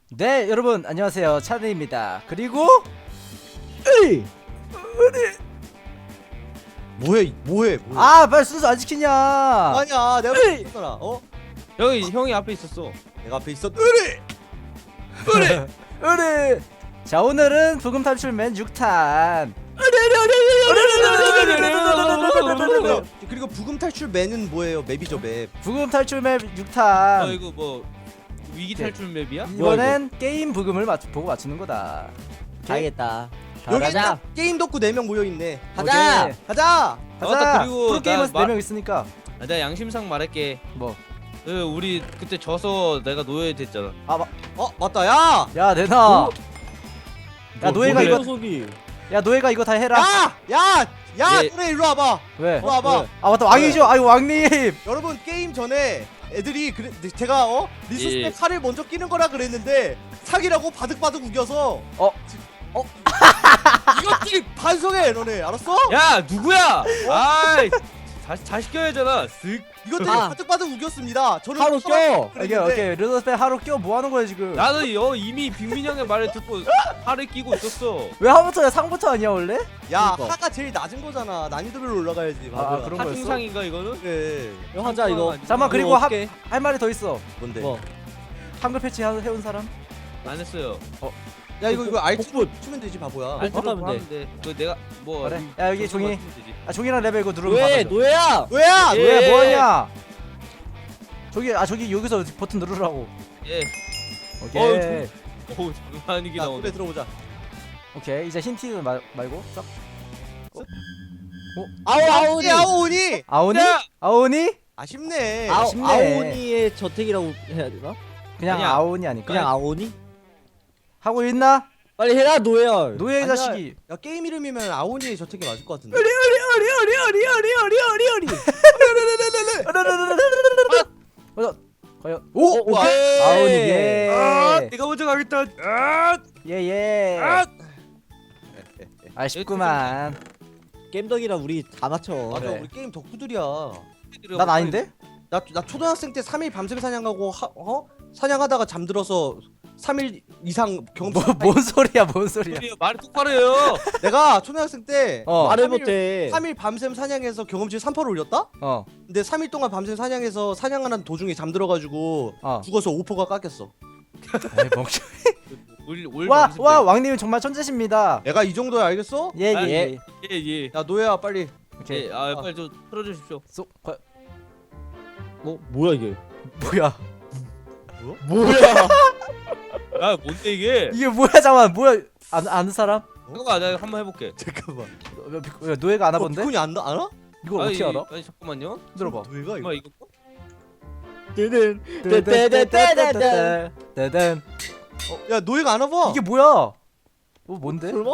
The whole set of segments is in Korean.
네, 여러분 안녕하세요. 차드입니다. 그리고 에이! 뭐해? 아, 빨리 순서 안 지키냐? 아니야, 내가 에이! 있었잖아. 어? 형이 앞에 있었어. 내가 앞에 있었. 으르. 자, 오늘은 부금 탈출맨 6탄. 그리고 부금 탈출 맨은 뭐예요? 맵이죠, 맵. 부금 탈출맨 6탄. 이거 뭐 위기 네. 탈출 맵이야? 이번엔 게임 부금을 보고 맞추는 거다. 가야겠다. 여기 가자. 게임 덕후 4명 모여 있네. 가자. 오케이. 가자. 가자. 맞다, 그리고 프로게이머스 나 4명 있으니까. 내가 양심상 말할게. 뭐. 우리 그때 져서 내가 노예 됐잖아. 맞다. 야. 야, 내놔. 야, 뭐, 노예가 뭐래? 이거 속이. 야, 노예가 이거 다 해라. 야, 예. 너네 일로 와봐. 왜? 일로 와봐. 아, 맞다. 왕이죠. 아유, 왕님. 여러분 게임 전에 애들이 제가 리소스에 예. 칼을 먼저 끼는 거라 그랬는데 사기라고 바득바득 우겨서 이것들이 반성해 너네 알았어? 야 누구야? 아이 다 시켜야잖아. 쓱. 이것들이 아. 바득바득 우겼습니다. 저는 하루 껴. 오케이. 르더스페 하루 껴 뭐 하는 거야, 지금? 나는 이미 빅민 형의 말을 듣고 팔을 끼고 있었어. 왜 하부터야? 상부터 아니야, 원래? 야 그러니까. 하가 제일 낮은 거잖아. 난이도별로 올라가야지. 아, 바보야. 그런 거였어? 하중상인가 이거는? 그래. 이거 하자 이거. 잠깐만, 그리고 이거 어떡해? 할 말이 더 있어. 뭔데? 뭐? 한글 패치 해온 사람? 안 했어요. 야 이거 알트 복붙. 추면 되지 바보야. 알트. 하면 돼. 그 내가 뭐 그래. 야, 여기 종이. 하면 되지. 아, 종이랑 레벨 이거 누르면 왜 받아줘. 노예야? 왜야? 예. 왜 뭐하냐? 저기 여기서 버튼 누르라고. 예. 오케이. 오 장난 아니게 야 나오네. 노래 들어보자. 오케이. 이제 힌트 말고 싹. 아오니. 아오니. 아오니? 야! 아오니? 아쉽네. 아쉽네. 아오니의 저택이라고 해야 되나? 그냥 아니야. 아오니 아닐까? 그냥 아오니? 하고 있나? 빨리 해라 노예야. 노예 아니야. 자식이. 야 게임 이름이면 아오니의 저택이 맞을 것 같은데. 과연 오! 오케이. 아오니 예. 내가 먼저 가겠다. 아! 예예. 아! 아쉽구만. 겜덕이라 우리 다 맞춰. 맞아 그래. 우리 게임 덕후들이야. 난 아닌데? 나 초등학생 때 3일 밤샘 사냥하고 사냥하다가 잠들어서 3일 이상 경험. 뭔 소리야, 뭔 소리야. 말을 똑바로 해요. 내가 초등학생 때 말을 3일 못해. 3일 밤샘 사냥해서 경험치 3%를 올렸다? 근데 3일 동안 밤샘 사냥해서 사냥하는 도중에 잠들어가지고 죽어서 5%가 깎였어. 에이, 멍청. 올 와, 밤새 와, 왕님은 정말 천재십니다. 내가 이 정도야 알겠어? 예, 아, 예. 예. 야 노예야 빨리. 오케이. 예. 빨리 좀 틀어주십시오. 뭐야 이게? 뭐야? 뭐야? 아 뭔데 이게? 이게 뭐야? 잠깐만. 뭐야? 아는 사람? 잠깐만 내가 한번 해볼게. 잠깐만. 왜 노예가 아나 본데? 비콘이 알아? 이걸 어떻게 알아? 아니 잠깐만요. 들어봐. 노예가 이거. 엄마 이거 뜨든 뜨든. 야 노예가 안 와봐. 이게 뭐야? 뭔데? 설마?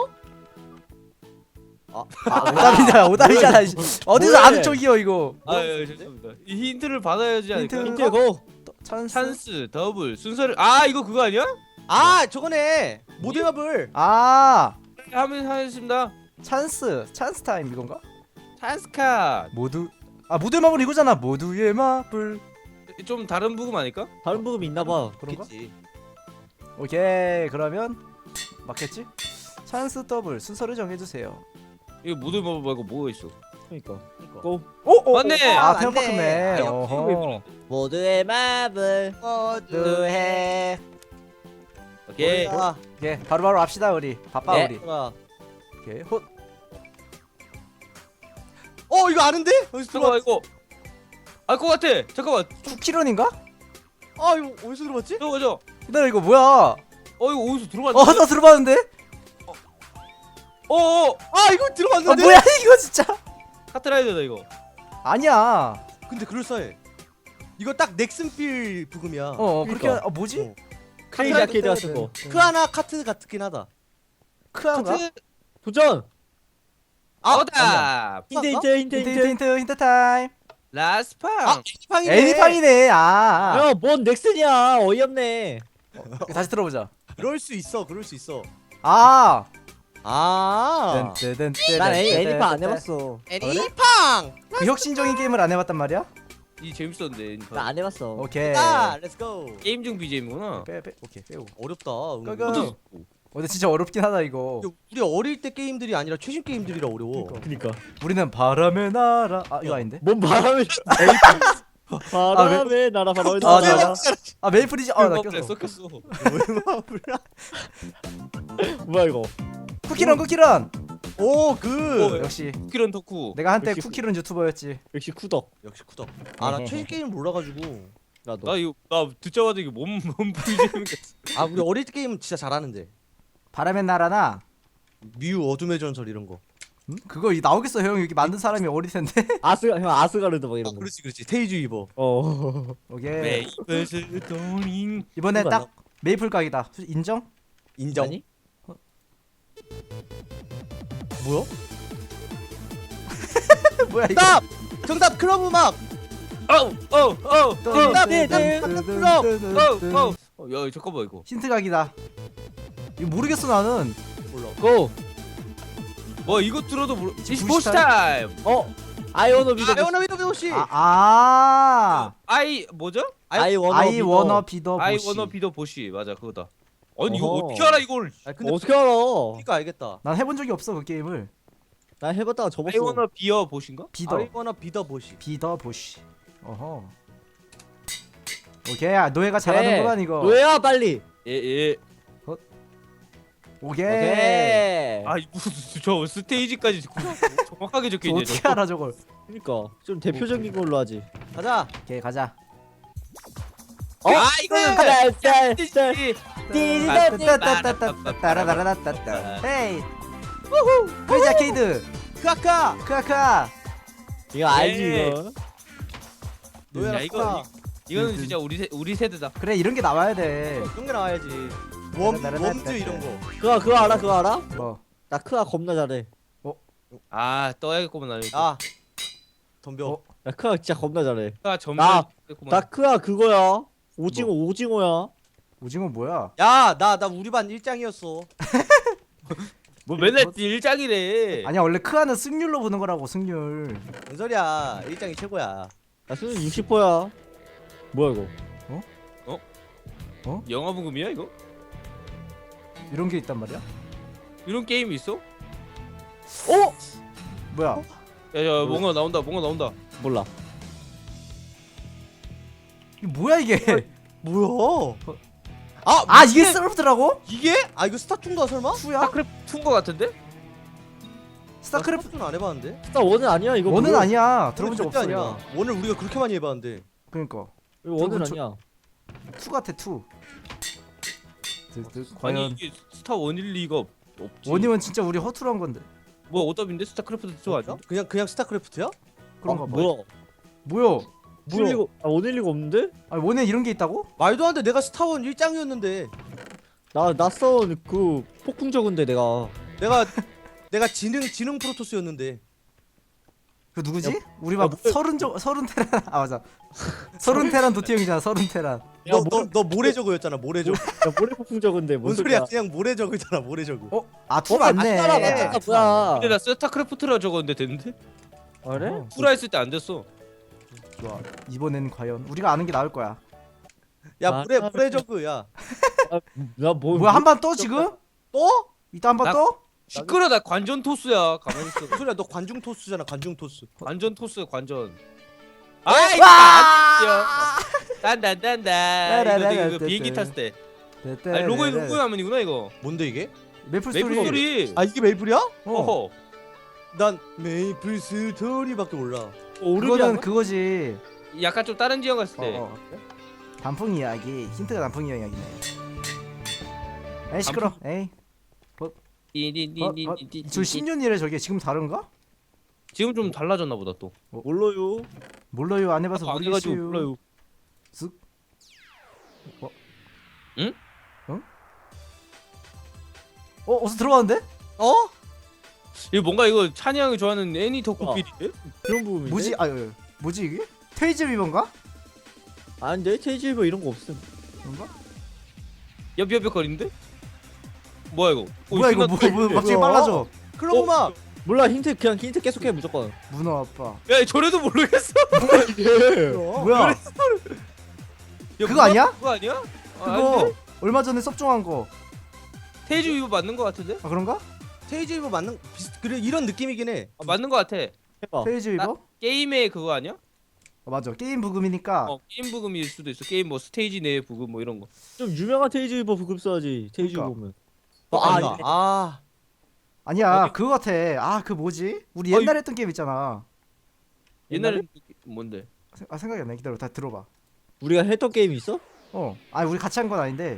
오답이잖아. 오답이잖아. 어디서 뭐해? 아는 쪽이요 이거? 죄송합니다. 이 힌트를 받아야지 않을까? 힌트. 힌트 고. 찬스 더블 순서를 이거 그거 아니야? 아 저거네. 모델마블. 아, 하면 하겠습니다. 찬스 타임 이건가? 찬스 카. 모두의 마블 이거잖아. 모두의 마블. 좀 다른 부금 아닐까? 다른 부금 있나 봐. 그런가? 그치. 오케이. 그러면 맞겠지? 찬스 더블 순서를 정해주세요. 이거 모델 마블 말고 뭐가 있어? 그러니까. 오, 맞네. 아, 맞네. 테마파크네. 아, 어허. 모두의 마블. 모두의. 오케이. 아, 오케이. 바로바로 합시다 우리. 바빠 네. 우리. 오케이. 이거 아는데? 어디서 잠깐만 들어봤? 이거 알 것 같아. 잠깐만. 쿠키런인가? 아 이거 어디서 들어봤지? 저거. 기다려, 이거 뭐야? 이거 어디서 들어봤는데? 나 들어봤는데? 아 이거 들어봤는데? 뭐야 이거 진짜? 카트라이더다 이거. 아니야. 근데 그럴싸해. 이거 딱 넥슨필 부금이야. 그렇게 그러니까. 뭐지? 크레이지 아케이드 같은 거. 크하나 카트 같긴 하다. 크한가? 도전. 오답. 힌트 타임. 라스팡. 애니팡이네. 애니팡이네. 야뭔 넥슨이야. 어이없네. 다시 들어보자. 그럴 수 있어. 그럴 수 있어. 아. 아. 난 애니팡 안 해봤어. 애니팡. 그 혁신적인 게임을 안 해봤단 말이야? 이 재밌었는데. 나 안 해봤어. 오케이. 아, 렛츠고. 게임 중 BGM이구나. 빼 오케이 빼고. 어렵다. 끄끄. 근데 진짜 어렵긴 하다 이거. 우리 어릴 때 게임들이 아니라 최신 게임들이라 어려워. 그니까. 우리는 바람의 나라. 아 이거 아닌데? 뭔 바람이? 바람에 나라 바람에 아, 나라. 아 메이플이지. 아나 꼈어. 섞였어. 뭐야 이거? 쿠키런 쿠키런. 오, 그. 역시 쿠키런 덕후. 내가 한때 역시 쿠키런 유튜버였지. 역시 쿠덕. 역시 쿠덕. 아, 나 최신 게임 몰라가지고. 나도. 나 듣자마자 이게 몸 BGM. 아, 우리 어릴 때 게임 진짜 잘하는데. 바람의 나라나. 뮤 어둠의 전설 이런 거. 응? 그거 나오겠어 형. 여기 만든 사람이 어릴 텐데. 아스가르드 막 이런 거. 그렇지. 테이즈 이버. 오케이. 메이플스 도닝. 이번에 누가 딱 메이플 각이다. 인정? 인정. 아니? 뭐야? 뭐야 이거? 정답! 정답 클럽 음악. 야 잠깐만 이거. 힌트 각이다. 이거 모르겠어 나는. 몰라. 고. 뭐 이거 들어도 모르. 부시 부시 타임. 아이워너 비더. 아이오나 위더 씨. 아이 뭐죠? 아이워너 아이 워너 비더 아이 보시. 워너 비더 보시 맞아 그거다. 아니 이거 어허. 어떻게 알아 이걸? 아, 근데 어떻게 알아? 그러니까 알겠다. 난 해본 적이 없어 그 게임을. 나 해봤다가 접었어. 아이 워너 비어 보신가? 비더 아이오나 비더 보시. 비더 보시. 어허. 오케이. 노예가 잘하는구만 이거. 왜야 빨리? 예예. 오케이. 오케이. 아 무슨 저 스테이지까지 정확하게 적혀 있네. 어떻게 알아 저걸? 그러니까 좀 대표적인 걸로 하지. 가자. 오케이 가자. 아 이거는 스테이지. 따라따라따따따따라따따따. 헤이. 우후. 크레이지 아케이드. 크아카. 크아카. 이거 알지 예. 이거. 노예라 야 이거는 진짜 우리 세대다. 그래 이런 게 나와야 돼. 그런 게 나와야지. 웜즈 이런 거. 그거 알아? 그거 알아? 뭐? 나 크아 겁나 잘해. 아 떠야겠구만 나는. 아. 덤벼. 나 크아 진짜 겁나 잘해. 아 나 점점. 크아 그거야. 오징어야. 오징어 뭐야? 야, 나 우리 반 일장이었어. 뭐 맨날 일장이래. 아니야 원래 크아는 승률로 보는 거라고 승률. 뭔 소리야? 일장이 최고야. 나 수능 60%야. 뭐야 이거? 영화부금이야 이거? 이런 게 있단 말이야? 이런 게임이 있어? 뭐야? 야야 뭔가 나온다 몰라. 이게 뭐야 이게? 뭐야? 아 이게 스타크래프트라고? 이게? 아, 이거 스타툰가 설마? 2야? 스타크래프트인 거 같은데? 스타크래프트 스타크래프트는 안 해봤는데. 스타 원은 아니야 이거. 원은 뭐야? 아니야. 들어본 적 절대 없어. 아니야. 원을 우리가 그렇게 많이 해봤는데. 그러니까 이거 원은 들어본 아니야. 2 같아 2. 아니 과연 이게 스타 원일 리가 없지. 원이면 진짜 우리 허투루 한 건데. 뭐 어답인데 스타크래프트 2 아니야? 그냥 스타크래프트야? 그런가 봐. 뭐야? 뭐야? 원일리가 원일리가 없는데? 아니 원에 이런 게 있다고? 말도 안 돼. 내가 스타원 일장이었는데. 나 써온 그 폭풍 적은데 내가. 내가 지능 프로토스였는데. 그 누구지? 우리 막 서른 테란 아 맞아. 서른 테란 도티 형이잖아. 서른 테란. 너 모래저그였잖아. 모래저그. 야 모래 폭풍 적은데 뭔 소리야? 그냥 모래저그잖아. 모래저그. 아투 맞네. 맞잖아 뭐야? 근데 나 스타크래프트라 적었는데 됐는데? 그래? 어. 후라 했을 때 안 됐어. 좋아. 이번엔 과연 우리가 아는 게 나을 거야. 야, 모래저그야. 나 뭐? 뭐야 한 번 떠 지금? 또? 이따 한 번 나- 떠? 시끄러 나 관전 토스야. 가만히 있어. 무슨 소리야? 너 관중 토스잖아. 관중 토스. 관전 토스 관전. 아이 와! 딴딴딴딴 이거 비행기 탔을 때. 아니 로고에 로고 화면이구나 이거. 뭔데 이게? 메이플 메이플 스토리. 스토리. 아, 이게 메이플이야? 어허. 난 메이플 스토리밖에 몰라. 그거는 그거지. 약간 좀 다른 지역 갔을 때. 단풍 이야기. 힌트가 단풍 이야기네. 에이 시끄러. 에이. 저 10년이래 저게 지금 다른가? 지금 좀 달라졌나 보다 또. 몰라요. 몰라요 안 해봐서 안 해가지고 모르겠어요. 몰라요. 쓱. 응? 어서 들어왔는데? 어? 이거 뭔가 이거 찬이 형이 좋아하는 애니 덕후필인데? 그런 부분인데. 뭐지? 뭐지 이게? 테이즈 비번가? 아닌데 체이지버 이런 거 없음. 그런가? 엽엽엽거리는데? 뭐야 이거? 뭐야 이거 뭐 갑자기 뭐야? 빨라져. 클럽 음악. 몰라 힌트 그냥 힌트 계속해 무조건. 문어 아빠. 야 저래도 모르겠어. 이게. 뭐야? 야, 그거 아니야? 그거 아니야? 그거 아닌데? 얼마 전에 섭종한 거. 테이즈 위버 맞는 거 같은데? 아 그런가? 테이즈 이버 맞는 그래 이런 느낌이긴 해. 아, 맞는 거 같아. 해봐. 페이지 위버? 게임의 그거 아니야? 맞아. 게임 부금이니까. 게임 부금일 수도 있어. 게임 뭐 스테이지 내 부금 뭐 이런 거. 좀 유명한 테이즈 이버 부급 써야지. 테이즈 그러니까. 보면. 아니다. 아 아니야. 어디? 그거 같아. 아 그 뭐지? 우리 어이. 옛날에 했던 게임 있잖아. 옛날에 뭔데? 생각이 안 나. 기다려. 다 들어봐. 우리가 했던 게임이 있어? 아니 우리 같이 한 건 아닌데.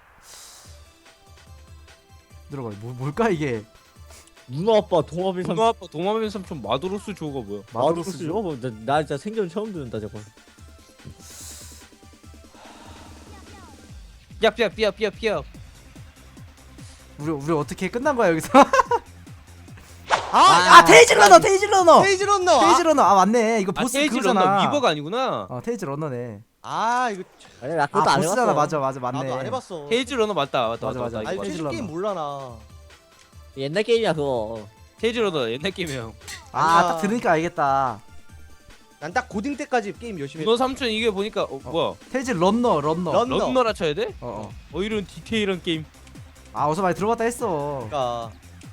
들어봐. 뭘까 이게? 문어 아빠 동화빈 삼. 동아 아빠 동화면 삼촌 마도로스 조가 뭐야? 마도로스죠? 나 진짜 생전 처음 듣는다 저거. 야 삐야. 우리 어떻게 끝난 거야 여기서? 아, 테이즈 러너. 테이즈 러너. 테이즈 런너. 테이즈 러너. 아 맞네. 이거 아 보스 테이즈 그거잖아. 런너 위버가 아니구나. 테이즈 러너네. 아 이거 아니 나 그것도 안 보스잖아. 해봤어. 맞아 맞네. 나도 안 해봤어. 테이즈 런너 맞다. 맞아. 이거 아니 맞아. 테이즈 최신 런너. 게임 몰라 나. 옛날 게임이야 그거. 테이즈 런너 옛날 게임이야. 아니야. 딱 들으니까 알겠다. 난 딱 고딩 때까지 게임 열심히 너 삼촌 이게 보니까 뭐야? 테이즈 러너. 런너. 런너라 쳐야 돼? 어. 이런 디테일한 게임. 어서 많이 들어봤다 했어. 그러니까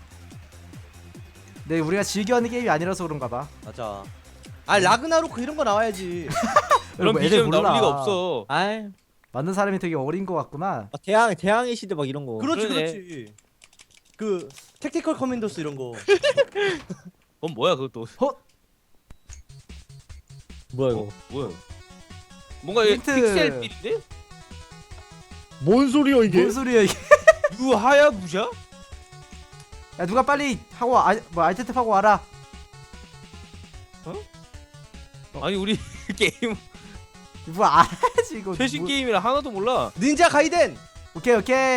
근데 우리가 즐겨하는 게임이 아니라서 그런가 봐. 맞아. 아 라그나로크 이런 거 나와야지. 그런 애들 BGM 나올 몰라. 리가 없어. 아이 만든 사람이 되게 어린 거 같구나. 대항의 시대 막 이런 거. 그렇지 그러네. 그렇지. 그 택티컬 커맨더스 이런 거. 뭐야 그것도? 뭐야 이거? 뭐야? 뭔가 이게 힌트. 픽셀 빌인데? 뭔 소리야 뭔 소리야 이게? 유하야부샤? 야 누가 빨리 하고 알트 탭 하고 와라. 아니 우리 게임 뭐 알아야지 이거. 최신 뭐- 게임이라 하나도 몰라. 닌자 가이덴. 오케이.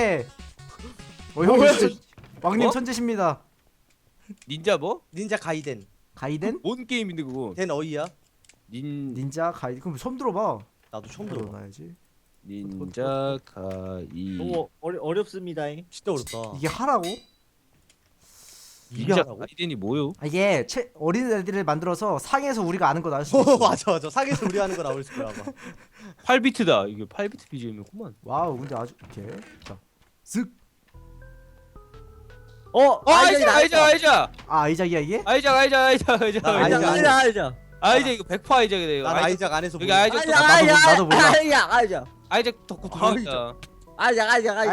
형 뭐야? 진짜 왕님 어? 천재십니다. 닌자 뭐? 닌자 가이덴. 가이덴? 뭔 게임인데 그거? 된 어이야? 닌자 가이덴. 그럼 처음 들어봐. 나도 처음 들어. 들어봐야지. 닌자 가이. 너무 어렵습니다. 진짜 어렵다. 이게 하라고? 닌자 하라고? 가이덴이 뭐요? 이게 어린 애들을 만들어서 상에서 우리가 아는 거 나올 수 있어. 맞아. 상에서 우리 하는 거 나올 거야 아마. 8비트다. 이게 8비트 BGM이구만. 와우 근데 아주 오케이. 자, 쓱. 아이작. 아이작이야 이게? 아이작. 아이작 이거 100% 아이작이다 이거. 난 아이작 안에서 여기 보여. 아이작 나도 몰라. 아이작 덕후 두명이다. 아이작.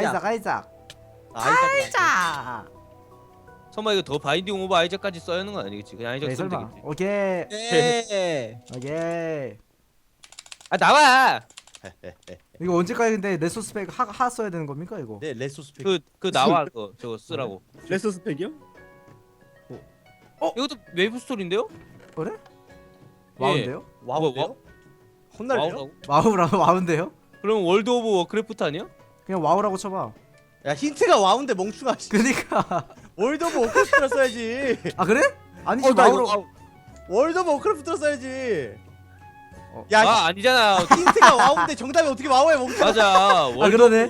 아이작. 설마 이거 더 바인딩 오버 아이작까지 써야 하는 건 아니겠지? 그냥 아이작 에이 쓰면 설마. 되겠지. 오케이. 네. 오케이. 아 나와. 이거 언제까지 근데 레소스펙 하 써야 되는 겁니까 이거? 네 레소스 팩. 그 나와 그거 저거 쓰라고. 레서 스펙이요? 이것도 웨이브 스토리인데요? 그래? 예. 와운데요? 와우인데요? 혼날래요? 와우라고? 와운데요? 그럼 월드 오브 워크래프트 아니야? 그냥 와우라고 쳐봐. 야 힌트가 와우인데 멍충아. 그니까. 월드 오브 워크래프트라 써야지. 아 그래? 아니지 나 와우로. 이거 월드 오브 워크래프트라 써야지. 어. 야 아 아니잖아. 힌트가 와우인데 정답이 어떻게 와우야 멍충아. 맞아. 아 그러네.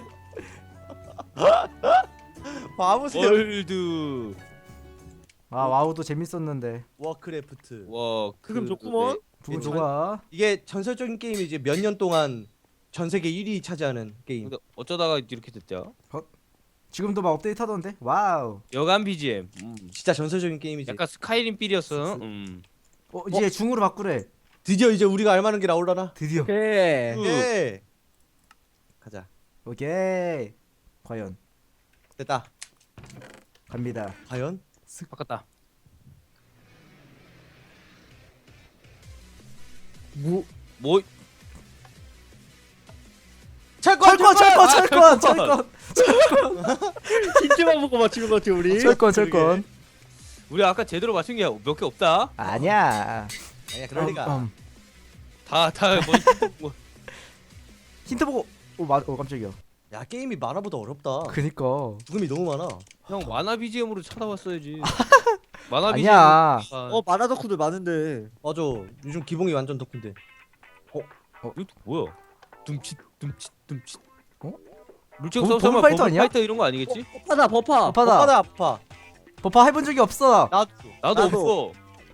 바보세요. 월드 와우도 재밌었는데. 워크래프트. 워 그럼 좋구먼. 부분 전- 좋아. 이게 전설적인 게임이지 몇 년 동안 전 세계 1위 차지하는 게임. 근데 어쩌다가 이렇게 됐죠? 지금도 막 업데이트 하던데. 와우. 여간 BGM. 진짜 전설적인 게임이지. 약간 스카이림 필이었어. 이제 중으로 바꾸래. 드디어 이제 우리가 알만한 게 나오려나? 드디어. 오케이. 예. 가자. 오케이. 과연 됐다. 갑니다. 과연? 바꿨다. 뭐 철권 철권. 힌트만 보고 맞추는 것 같아 우리. 철권. 우리 아까 제대로 맞춘 게 몇 개 없다. 아니야. 아니야 그럴 리가. 다 뭐. 힌트 보고. 깜짝이야. 야 게임이 만화보다 어렵다. 그니까. 부금이 너무 많아. 형 만화 BGM으로 찾아봤어야지. 만화 아니야. BGM. 만화 덕후들 많은데. 맞아. 요즘 기봉이 완전 덕분데. 이거 뭐야? 둠칫. 어? 물총 버- 쏘면 버블 파이터 아니야? 파이터 이런 거 아니겠지? 버파다 버파. 아파다. 아파다 아파. 버퍼 해본 적이 없어. 나도. 나도 나도. 없어.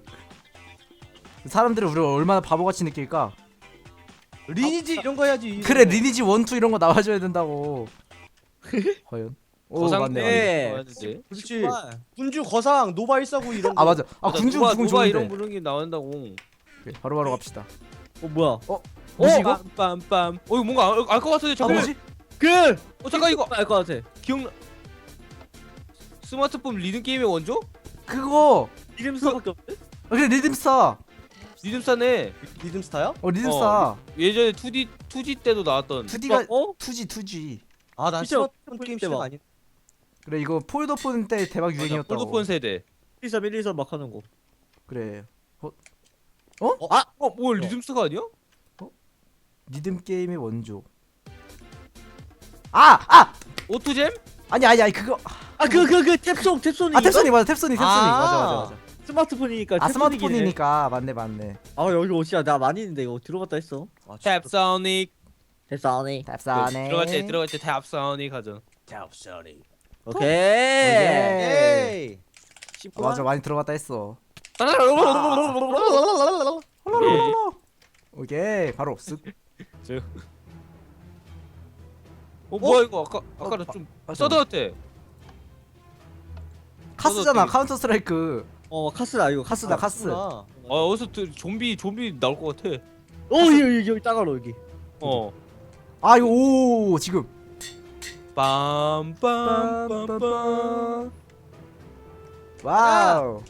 사람들이 우리를 얼마나 바보같이 느낄까? 리니지 이런 거 해야지. 그래 리니지 1, 2 이런 거 나와줘야 된다고. 과연? 오 맞네 맞네. 네. 나왔는데. 그렇지. 군주 거상 노바 149 이런 거. 아 맞아. 아 군주 누가 구분 누가 좋은데. 이런 부르는 게 나온다고. 오케이, 바로바로 갑시다. 뭐야? 뭐지 이거? 빰빰빰. 이거 뭔가 알 것 같은데 아 잠깐. 뭐지? 잠깐 이거 알것 같아. 기억나? 스마트폰 리듬 게임의 원조? 그거. 이름수밖에 없네. 그래 리듬스타. 리듬사네. 리듬스타야? 리듬스타. 예전에 2D 때도 나왔던. 2D가 어? 2G. 아, 나 진짜 스마트폰 게임 시작 아니. 그래 이거 폴더폰 때 대박 유행이었다고. 폴더폰 세대. 123 123 막 하는 거. 그래. 뭐 리듬스가 아니야? 리듬 게임의 원조. 아! 오토잼? 아니 그거. 그 탭송 탭송이. 아 탭소니 맞아 탭소니 아. 맞아. 스마트폰이니까. 아 탭송이긴 해. 스마트폰이니까 맞네. 아 여기 어디야? 나 많이 있는데 이거 들어갔다 했어. 탭소닉. 탭송이. 탭소니. 들어갈 때 탭소닉 하죠. tapso닉. 오케이. 에이. 아, 맞아 많이 들어갔다 했어. 오케이 바로 쓱. 뭐야 이거 아까는 좀 맞아. 서드어때. 카스잖아 카운터 스트라이크. 카스다 이거. 카스다 카스. 어디서 좀비 나올 것 같아. 여기 따가로 여기. 아 이거 오 지금. 빰빰빰빰빰. 와우.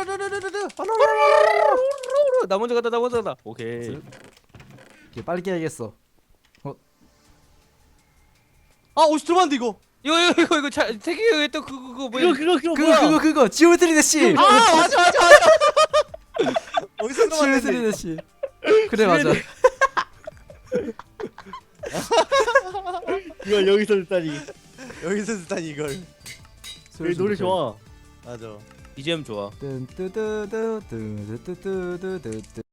나 먼저 간다. 오케이. 오케이, 빨리 깨야겠어. 아, 어디서 들어봤는데 이거. 이거 태기가 했던 그거 뭐야? 그거 지오메트리 대시. 아, 맞아. 어디서 지오메트리 들어봤는데. 대시. 그래 맞아. 이걸 여기서 듣다니. 여기서 듣다니 이걸. 여기 노래 좋아. 맞아. BGM 좋아. 뜬뜨뜨뜨뜨뜨뜨뜨뜨.